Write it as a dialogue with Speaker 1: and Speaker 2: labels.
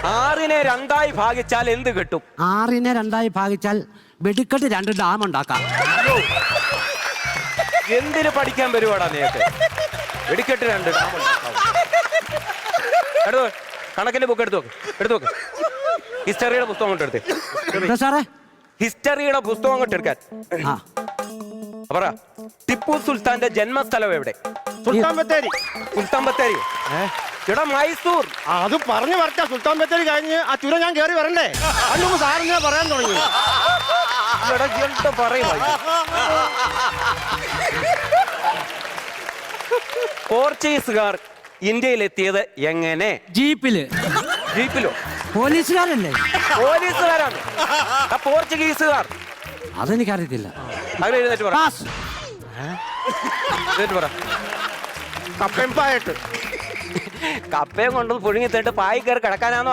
Speaker 1: 6നെ 2 ഭാഗിച്ചാൽ എന്ത് കിട്ടും?
Speaker 2: 6നെ 2 ഭാഗിച്ചാൽ വെടിക്കെട്ട് 2 ഡാം ഉണ്ടാക്കാം.
Speaker 1: എന്തിനു പഠിക്കാൻ വരുവാടാ നീയൊക്കെ? വെടിക്കെട്ട് 2 ഡാം ഉണ്ടാക്കാം. കണക്കിന്റെ ബുക്ക് എടുത്തു നോക്ക്. ഹിസ്റ്ററിയുടെ പുസ്തകം കൊണ്ട് എടുത്തേ.
Speaker 2: സാറേ
Speaker 1: ഹിസ്റ്ററിയുടെ പുസ്തകം കൊണ്ട് എടുക്കാൻ. പറ, ടിപ്പു സുൽത്താന്റെ ജന്മസ്ഥലം എവിടെ?
Speaker 3: സുൽത്താൻ ബത്തേരി.
Speaker 1: എടാ മൈസൂർ.
Speaker 3: അത് പറഞ്ഞു വരട്ടെ. സുൽത്താൻ ബത്തേരി കഴിഞ്ഞ് ആ ചുരം ഞാൻ കയറി വരണ്ടേ? അതിന് സാറിനെ പറയാൻ തുടങ്ങി.
Speaker 1: പോർച്ചുഗീസുകാർ ഇന്ത്യയിലെത്തിയത് എങ്ങനെ? ജീപ്പിലോ?
Speaker 2: പോലീസുകാരല്ലേ?
Speaker 1: പോലീസുകാരാണ്. പോർച്ചുഗീസുകാർ
Speaker 2: അതെനിക്കറിയത്തില്ല.
Speaker 1: അങ്ങനെ എഴുന്നേറ്റ് പറ.
Speaker 3: കപ്പയും പായിട്ട്
Speaker 1: കപ്പയും കൊണ്ടു പുഴുങ്ങി തേട്ട് പായി കയറി കിടക്കാനാണോ